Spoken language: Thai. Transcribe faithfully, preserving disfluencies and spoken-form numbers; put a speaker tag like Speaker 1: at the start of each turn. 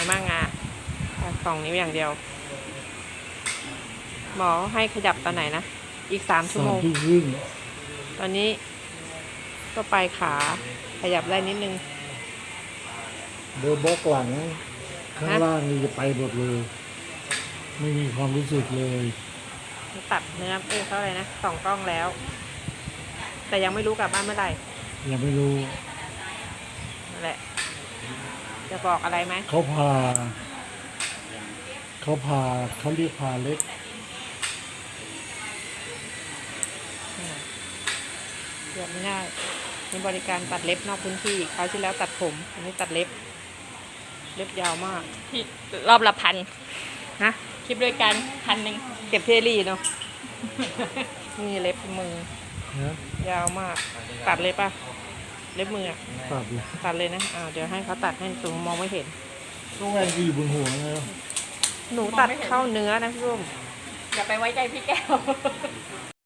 Speaker 1: มั่งอ่ะสองนิ้วอย่างเดียวหมอให้ขยับตอนไหนนะอีกสามชั่วโมงตอนนี้ก็ไปขาขยับได้นิดนึง
Speaker 2: เบอร์บล็อกหลังข้างล่างนี่จะไปหมดเลยไม่มีความรู้สึกเลย
Speaker 1: ตัดเนื้อเอ้เขาอะไรนะสองกล้องแล้ว แต่ยังไม่รู้กลับบ้านเมื่อไหร่
Speaker 2: ยังไม่รู้
Speaker 1: นั่นแหละจะบอกอะไรไหม
Speaker 2: เขาพาเขาพาเขาเรียกพาเล็ก
Speaker 1: เกือบไม่ได้มีบริการตัดเล็บนอกพื้นที่คราวที่แล้วตัดผมอันนี้ตัดเล็บเล็บยาวมาก
Speaker 3: ที่รอบละพัน
Speaker 1: ฮะ
Speaker 3: คลิปด้วยกันพันหนึ่ง
Speaker 1: เก็บเทรี่เนาะนี่เล็บมือ ยาวมากตัดเลยป่ะเล็บมือ
Speaker 2: ตัดเลย
Speaker 1: ตัดเลยนะอ่าเดี๋ยวให้เขาตัดให้สูงมองไม่เห็น
Speaker 2: ต้องแรงดีบนหัวแล้ว
Speaker 1: หนูตัดเข้าเนื้อนะพี่รุ่ม
Speaker 3: อย่าไปไว้ใจพี่แก้ว